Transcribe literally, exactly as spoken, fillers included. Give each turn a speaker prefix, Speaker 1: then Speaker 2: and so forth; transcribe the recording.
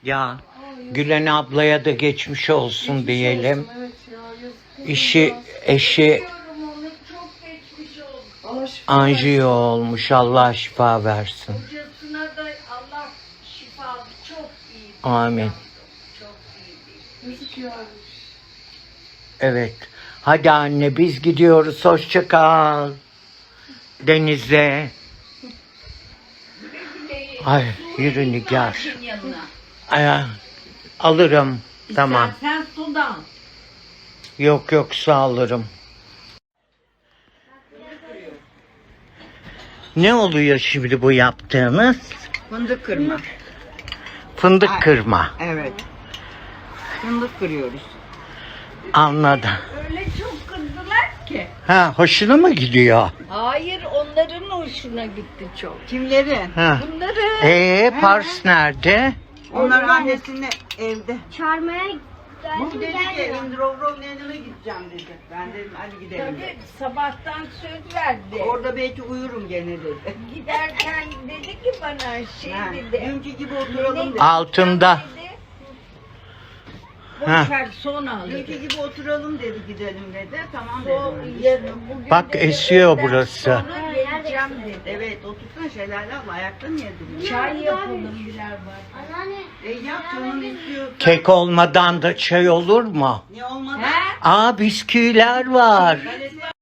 Speaker 1: Ya Gülen ablaya da geçmiş olsun
Speaker 2: Geçmiş
Speaker 1: diyelim.
Speaker 2: olsun, evet ya, yazık.
Speaker 1: İşi, eşi
Speaker 3: Çok geçmiş olsun.
Speaker 2: Allah şifa
Speaker 1: anjiyo olmuş. Allah şifa versin.
Speaker 3: Kocasına da Allah şifa çok iyi.
Speaker 1: Amin.
Speaker 3: Çok iyi.
Speaker 2: versin. Yazık ya.
Speaker 1: Evet. Hadi anne biz gidiyoruz. Hoşça kal. Denize. Ay yürü Nigar.
Speaker 3: Yanına.
Speaker 1: Ay, alırım. Tamam.
Speaker 3: Sen sudan.
Speaker 1: Yok yok sağ alırım. Ne oluyor şimdi bu yaptığınız?
Speaker 4: Fındık kırma.
Speaker 1: Fındık
Speaker 4: Ay.
Speaker 1: kırma.
Speaker 4: Evet. Fındık kırıyoruz.
Speaker 1: Anladım.
Speaker 3: Öyle çok kızdılar ki.
Speaker 1: Ha hoşuna mı gidiyor?
Speaker 3: Hayır, onların hoşuna gitti çok.
Speaker 4: Kimlerin?
Speaker 1: Ha.
Speaker 3: Bunları
Speaker 1: Ee Pars nerede?
Speaker 4: Onlar annesinin evde.
Speaker 5: Çağırmaya
Speaker 4: Bu
Speaker 5: geldim
Speaker 4: dedi ki
Speaker 5: gelmiyor.
Speaker 4: Indrovrov'un yanına gideceğim dedi. Ben dedim hadi gidelim.
Speaker 3: tabii
Speaker 4: Dedi.
Speaker 3: sabahtan söz verdi.
Speaker 4: Orada belki uyurum gene dedi.
Speaker 3: Giderken dedi ki bana şey
Speaker 4: Ha,
Speaker 3: dedi.
Speaker 4: dünkü gibi oturalım dedi.
Speaker 1: Altında.
Speaker 3: Dedi,
Speaker 1: Ha.
Speaker 3: boşver sonra alırız.
Speaker 4: Dünkü gibi oturalım dedi gidelim dedi. Tamam
Speaker 3: O
Speaker 4: dedim.
Speaker 3: yarın, bugün
Speaker 1: Bak,
Speaker 3: dedi,
Speaker 1: esiyor
Speaker 3: öğleden
Speaker 1: burası.
Speaker 3: Sonra geleceğim dedi.
Speaker 4: Evet otursana Şelale abla ayakta niye duruyorsun?
Speaker 3: Çay yapalım birer var.
Speaker 5: Anneanne.
Speaker 4: E yap canın istiyor.
Speaker 1: Kek olmadan da çay olur mu?
Speaker 4: Ne olmadı?
Speaker 3: He?
Speaker 1: Aa bisküviler var.
Speaker 4: Galeta